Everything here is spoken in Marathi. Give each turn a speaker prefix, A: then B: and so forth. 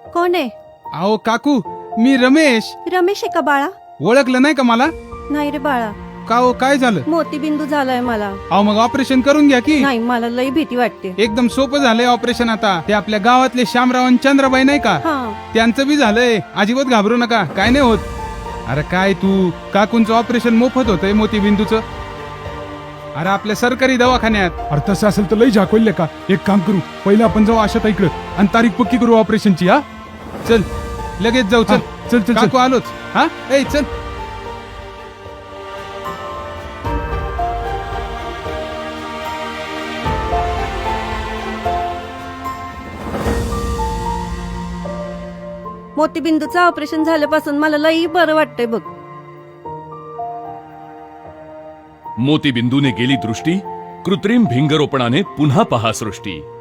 A: कोण आहे?
B: अहो काकू, मी रमेश.
A: रमेश आहे का बाळा?
B: ओळखलं नाही का मला?
A: नाही रे बाळा,
B: का हो, काय झालं?
A: मोतीबिंदू झालाय मला.
B: अहो मग ऑपरेशन करून घ्या की.
A: नाही, मला लई भीती वाटते.
B: एकदम सोपं झालंय ऑपरेशन आता. ते आपल्या गावातले श्यामराव आणि चंद्रबाई नाही का,
A: हा.
B: त्यांचं बी झालंय. अजिबात घाबरू नका, काय नाही होत. अरे काय तू, काकूंचं ऑपरेशन मोफत होतंय मोतीबिंदूचं. अरे आपल्या सरकारी दवाखान्यात.
C: अरे तसं असेल तर लई झाकवले का. एक काम करू, पहिले आपण जाऊ आशाताईकडे आणि तारीख पक्की करू ऑपरेशनची. हा
B: चल लगेच जाऊ. चल
C: चल चल
B: काकू आलोच. हा ए चल.
A: मोतीबिंदूचं ऑपरेशन झाल्यापासून मला लई बरं वाटतंय बघ.
D: मोतीबिंदूने गेली दृष्टी, कृत्रिम भिंगरोपणाने पुन्हा पहा सृष्टी.